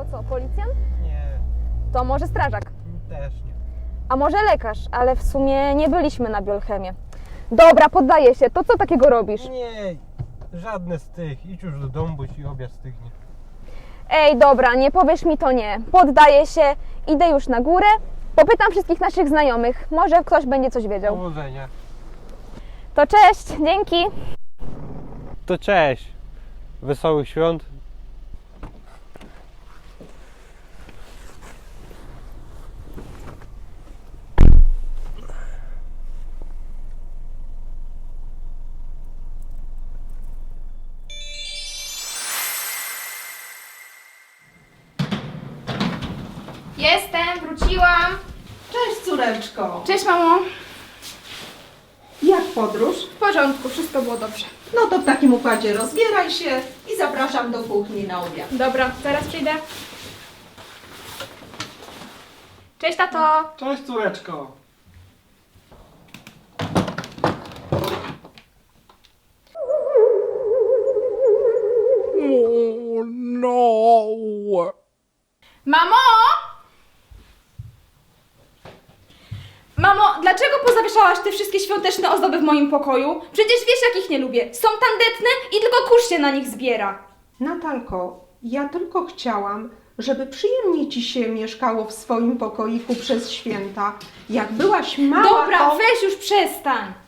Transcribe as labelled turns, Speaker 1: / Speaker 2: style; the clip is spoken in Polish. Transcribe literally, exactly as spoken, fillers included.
Speaker 1: To co, policjant?
Speaker 2: Nie,
Speaker 1: To może strażak?
Speaker 2: też nie.
Speaker 1: A może lekarz? Ale w sumie nie byliśmy na biochemię. Dobra, poddaję się. To co takiego robisz?
Speaker 2: Nie, żadne z tych. Idź już do domu, bo ci obiad stygnie.
Speaker 1: Ej, dobra, nie powiesz mi to nie. Poddaję się, idę już na górę. Popytam wszystkich naszych znajomych. Może ktoś będzie coś wiedział.
Speaker 2: Powodzenia.
Speaker 1: To cześć, dzięki.
Speaker 2: To cześć. Wesołych świąt.
Speaker 3: Jestem, wróciłam.
Speaker 4: Cześć córeczko.
Speaker 3: Cześć mamo.
Speaker 4: Jak podróż?
Speaker 3: W porządku, wszystko było dobrze.
Speaker 4: No to w takim układzie rozbieraj się i zapraszam do kuchni na obiad.
Speaker 3: Dobra, zaraz przyjdę. Cześć tato.
Speaker 5: Cześć córeczko.
Speaker 3: Mamo! Mamo, dlaczego pozawieszałaś te wszystkie świąteczne ozdoby w moim pokoju? Przecież wiesz, jakich nie lubię. Są tandetne i tylko kurz się na nich zbiera.
Speaker 4: Natalko, ja tylko chciałam, żeby przyjemnie ci się mieszkało w swoim pokoiku przez święta. Jak byłaś mała,
Speaker 3: Dobra,
Speaker 4: to...
Speaker 3: weź już przestań.